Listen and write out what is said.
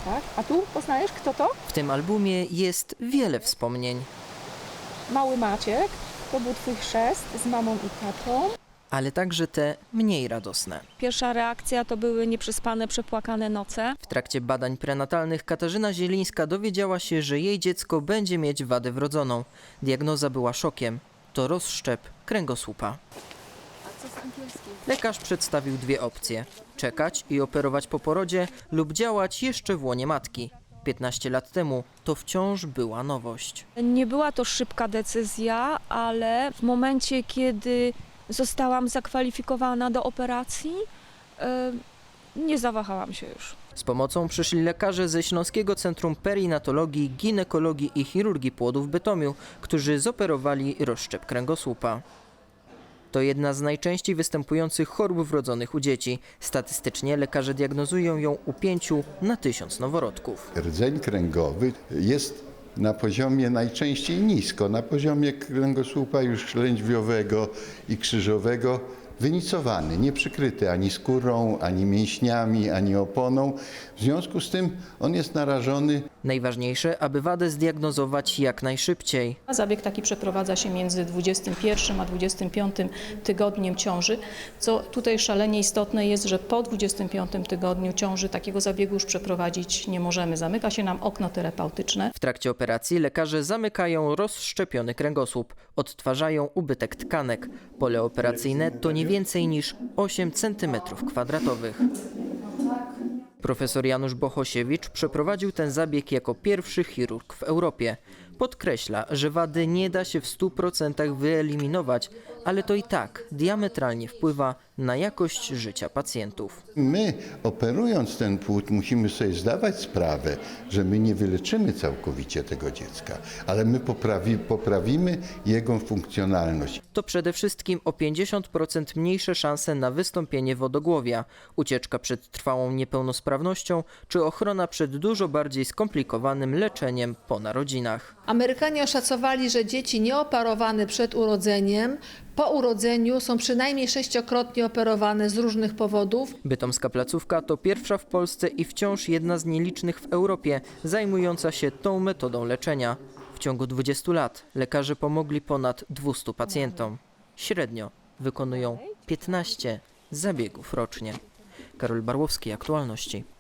Tak. A tu poznajesz, kto to? W tym albumie jest wiele wspomnień, Mały Maciek, to był twój chrzest z mamą i tatą. ale także te mniej radosne. Pierwsza reakcja to były nieprzespane, przepłakane noce. W trakcie badań prenatalnych Katarzyna Zielińska dowiedziała się, że jej dziecko będzie mieć wadę wrodzoną. Diagnoza była szokiem. To rozszczep kręgosłupa. Lekarz przedstawił dwie opcje: czekać i operować po porodzie lub działać jeszcze w łonie matki. 15 lat temu to wciąż była nowość. Nie była to szybka decyzja, ale w momencie, kiedy zostałam zakwalifikowana do operacji, nie zawahałam się już. Z pomocą przyszli lekarze ze Śląskiego Centrum Perinatologii, Ginekologii i Chirurgii Płodu w Bytomiu, którzy zoperowali rozszczep kręgosłupa. To jedna z najczęściej występujących chorób wrodzonych u dzieci. Statystycznie lekarze diagnozują ją u 5 na 1000 noworodków. Rdzeń kręgowy jest na poziomie najczęściej nisko, na poziomie kręgosłupa już lędźwiowego i krzyżowego, wynicowany, nie przykryty ani skórą, ani mięśniami, ani oponą. W związku z tym on jest narażony. Najważniejsze, aby wadę zdiagnozować jak najszybciej. Zabieg taki przeprowadza się między 21 a 25 tygodniem ciąży, co tutaj szalenie istotne jest, że po 25 tygodniu ciąży takiego zabiegu już przeprowadzić nie możemy. Zamyka się nam okno terapeutyczne. W trakcie operacji lekarze zamykają rozszczepiony kręgosłup, odtwarzają ubytek tkanek. Pole operacyjne to nie więcej niż 8 cm². Profesor Janusz Bohosiewicz przeprowadził ten zabieg jako pierwszy chirurg w Europie. Podkreśla, że wady nie da się w 100% wyeliminować, ale to i tak diametralnie wpływa na jakość życia pacjentów. My, operując ten płód, musimy sobie zdawać sprawę, że my nie wyleczymy całkowicie tego dziecka, ale my poprawimy jego funkcjonalność. To przede wszystkim o 50% mniejsze szanse na wystąpienie wodogłowia, ucieczka przed trwałą niepełnosprawnością czy ochrona przed dużo bardziej skomplikowanym leczeniem po narodzinach. Amerykanie oszacowali, że dzieci nieoperowane przed urodzeniem, po urodzeniu są przynajmniej 6-krotnie operowane z różnych powodów. Bytomska placówka to pierwsza w Polsce i wciąż jedna z nielicznych w Europie zajmująca się tą metodą leczenia. W ciągu 20 lat lekarze pomogli ponad 200 pacjentom. Średnio wykonują 15 zabiegów rocznie. Karol Barłowski, Aktualności.